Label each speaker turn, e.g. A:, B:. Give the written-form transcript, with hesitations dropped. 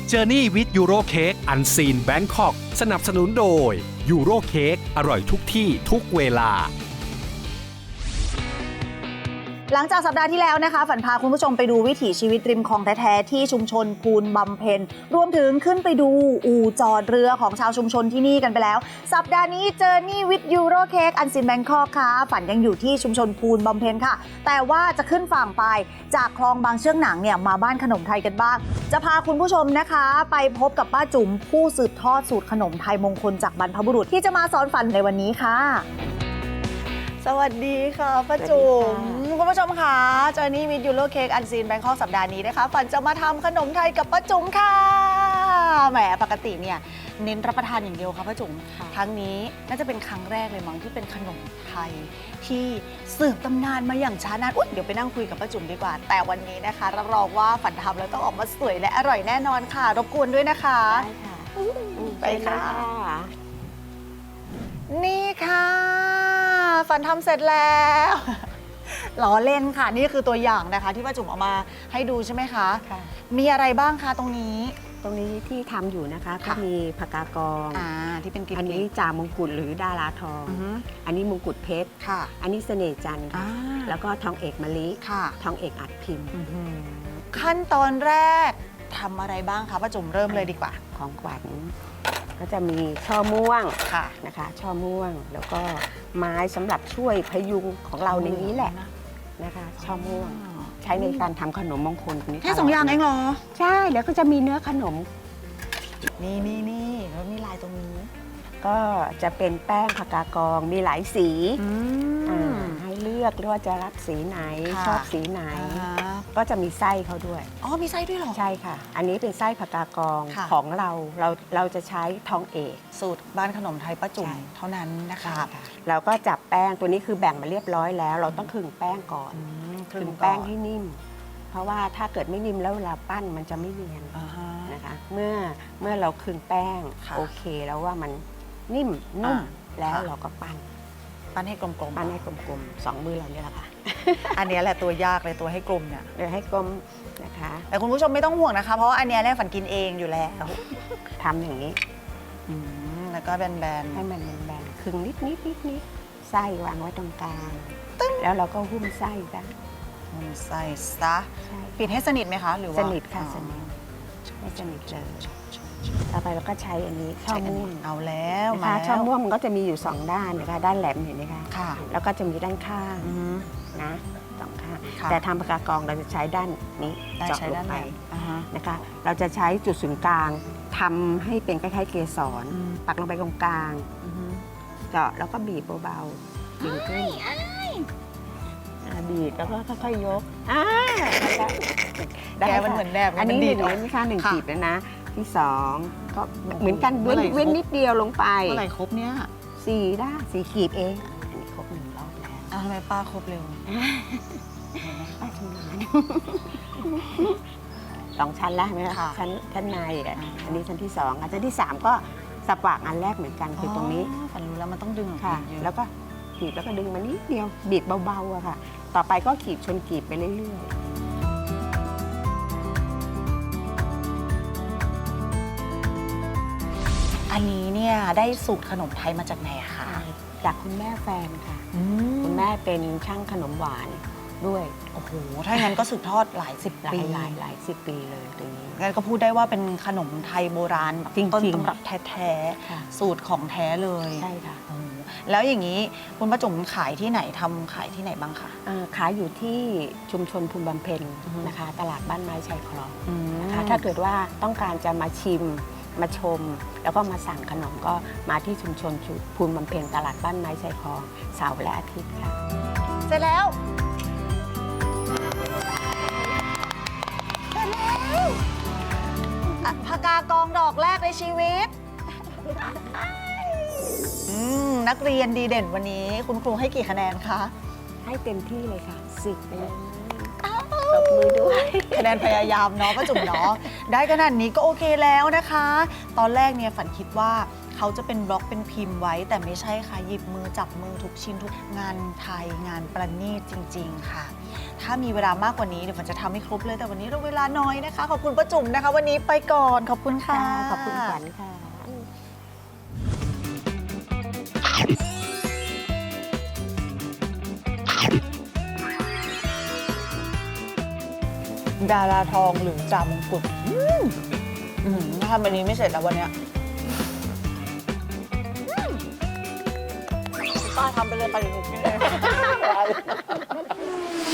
A: Journey with Euro Cake Unseen Bangkok สนับสนุนโดย Euro Cake อร่อยทุกที่ทุกเวลา
B: หลังจากสัปดาห์ที่แล้วนะคะฝันพาคุณผู้ชมไปดูวิถีชีวิตริมคลองแท้ๆที่ชุมชนพูนบำเพ็ญรวมถึงขึ้นไปดูอู่จอดเรือของชาวชุมชนที่นี่กันไปแล้วสัปดาห์นี้เจอนี่วิทยูโรเค้กอันซินแบงคอกค่ะฝันยังอยู่ที่ชุมชนพูนบำเพ็ญค่ะแต่ว่าจะขึ้นฝั่งไปจากคลองบางเชือกหนังเนี่ยมาบ้านขนมไทยกันบ้างจะพาคุณผู้ชมนะคะไปพบกับป้าจุ๋มผู้สืบทอดสูตรขนมไทยมงคลจากบรรพบุรุษที่จะมาสอนฝันในวันนี้ค่ะสวัสดีค่ะป้าจุ๋มคุณผู้ชมค่ะเจอนี่วิทยูโรเค้กอันซีนแบงคอกสัปดาห์นี้นะคะฝันจะมาทำขนมไทยกับป้าจุ๋มค่ะแหมปกติเนี่ยเน้นรับประทานอย่างเดียวค่ะป้าจุ๋มครั้งนี้น่าจะเป็นครั้งแรกเลยมั้งที่เป็นขนมไทยที่สืบตำนานมาอย่างช้านานเดี๋ยวไปนั่งคุยกับป้าจุ๋มดีกว่าแต่วันนี้นะคะรับรองว่าฝันทำแล้วต้องออกมาสวยและอร่อยแน่นอนค่ะรบกวนด้วยนะคะได้ค่ะไปค่ะนี่ค่ะฝันทำเสร็จแล้วล้อเล่นค่ะนี่คือตัวอย่างนะคะที่ป้าจุ๋มเอามาให้ดูใช่ไหมคะมีอะไรบ้างคะตรงนี้
C: ที่ทำอยู่นะคะก็มีผักกากอง
B: ที่เป็นกลิ่น
C: อันนี้จ่ามงกุฎหรือดาราทองอันนี้มงกุฎเพชรอันนี้เสน่ห์จันทร์แล้วก็ทองเอกมะลิทองเอกอัดพิมพ์
B: ขั้นตอนแรกทำอะไรบ้างคะป้าจุ๋มเริ่มเลยดีกว่า
C: ของขวัญก็จะมีช่อม่วงนะคะช่อม่วงแล้วก็ไม้สำหรับช่วยพยุงของเราในนี้แหละนะคะช่อม่วงใช้ในการทำขนมมงคลนี้
B: แค่2 อย่างเองเหรอ
C: ใช่แล้วก็จะมีเนื้อขนม
B: นี่แล้วมีลายตรงนี้
C: ก็จะเป็นแป้งผักกากองมีหลายสีให้เลือกว่าจะรับสีไหนชอบสีไหนก็จะมีไส้เขาด้วย
B: มีไส้ด้วยเหรอ
C: ใช่ค่ะอันนี้เป็นไส้ผักกากองของเราจะใช้ทองเอก
B: สูตรบ้านขนมไทยป้าจุ๋มเท่านั้นนะคะ
C: เราก็จับแป้งตัวนี้คือแบ่งมาเรียบร้อยแล้วเราต้องขึงแป้งก่อนขึงแป้งให้นิ่มเพราะว่าถ้าเกิดไม่นิ่มแล้วเวลาปั้นมันจะไม่เนียนนะคะเมื่อเราขึงแป้งโอเคแล้วว่ามันนิ่มนุ่มแล้วเราก็ปั้น
B: ให้กลมๆ
C: ปั้นให้กลมๆ2 มือเราเนี่ยแหละค่ะ
B: อันนี้แหละตัวยากเลยตัวให้กลมเนี่ย
C: ให้กลมนะคะ
B: แต่คุณผู้ชมไม่ต้องห่วงนะคะเพราะว่าอันนี้ฝันกินเองอยู่แล้ว
C: ทำอย่างนี้
B: แล้วก็แบน
C: ๆให้มันแบนๆครึ่งนิดไส้วางไว้ตรงกลางแล้วเราก็หุ้มไส้ซะ
B: ปิดให้สนิทไหมคะหรือว่า
C: สนิทค่ะสนิทไม่สนิทเลยต่อไปเราก็ใช้อันนี้ช่อม่วง
B: เอาแล้ว
C: นะคะช่อม่วงมันก็จะมีอยู่2 ด้านนะคะด้านแหลมเห็นไหมคะแล้วก็จะมีด้านข้างนะ2 ข้างแต่ทำผักกากองเราจะใช้ด้านนี้เจาะลงไปนะคะเราจะใช้จุดศูนย์กลางทำให้เป็นคล้ายๆเกสรปักลงไปตรงกลางเจาะแล้วก็บีบเบาๆดึงขึ้นบีบแล้วก็ค่อยๆยก
B: ได้มันเหมือนแบบ
C: อันนี้1 กีบแล้วนะที่2ก็เหมือนกันเว้นนิดเดียวลงไป
B: เมื่อไหร่ครบเนี้ย
C: 4 กีบเองอันนี้ครบ1 รอบแล้ว
B: ทำไมป้าครบเร็ว
C: ป้าชำนาญ2 ชั้นแล้วใช่ไหมคะชั้นในอันนี้ชั้นที่2ชั้นที่3ก็สปากอันแรกเหมือนกันคือตรงนี้
B: ฝันรู้แล้วมันต้องดึง
C: ค่ะแล้วก็ขีดแล้วก็ดึงมานิดเดียวบีบเบาๆอะค่ะต่อไปก็ขีดชนกีบไปเรื่อย
B: ๆอันนี้เนี่ยได้สูตรขนมไทยมาจากไหนคะ
C: จากคุณแม่แฟนค่ะคุณแม่เป็นช่างขนมหวานด้วย
B: โอ้โหถ้างั้นก็สืบทอดหลาย10 ปี
C: หลาย10 ปีเลยตรงนี้
B: งั้นก็พูดได้ว่าเป็นขนมไทยโบราณต้นตำรับแท้ๆสูตรของแท้เลย
C: ใช่ค่ะ
B: แล้วอย่างนี้คุณป้าจุ๋มขายที่ไหนทำขายที่ไหนบ้างคะ
C: ขายอยู่ที่ชุมชนพูนบำเพ็ญนะคะตลาดบ้านไม้ชายคลองนะคะถ้าเกิดว่าต้องการจะมาชิมมาชมแล้วก็มาสั่งขนมก็มาที่ชุมชนพูนบำเพ็ญตลาดบ้านไม้ชายคลองเสาร์และอาทิตย์ค่ะ
B: เสร็จแล้วผักกากองดอกแรกในชีวิตนักเรียนดีเด่นวันนี้คุณครูให้กี่คะแนนคะ
C: ให้เต็มที่เลยค่ะ10ไปเลยตบมือด้วย
B: คะแนนพยายามเนาะป้าจุ๋มเนาะได้ขนาดนี้ก็โอเคแล้วนะคะตอนแรกเนี่ยฝันคิดว่าขเขาจะเป็นบล็อกเป็นพิมพ์ไว้ แต่ไม่ใช่ค่ะหยิบมือจับมือทุกชิ้นทุกงานไทยงานประณีตจริง ๆ ค่ะ ถ้ามีเวลามากกว่านี้เดี๋ยวฝนจะทำให้ครบเลยแต่วันนี้เราเวลาน้อยนะคะขอบคุณป้าจุ๋มนะคะ วันนี้ไปก่อนขอบคุณค่ะ
C: ขอบคุณขวัญค่ะ
B: ดาราทองหรือจามงกุฎถ้าทำอันนี้ไม่เสร็จแล้ววันเนี้ยป้าทำไปเลยไปหนูกินเลย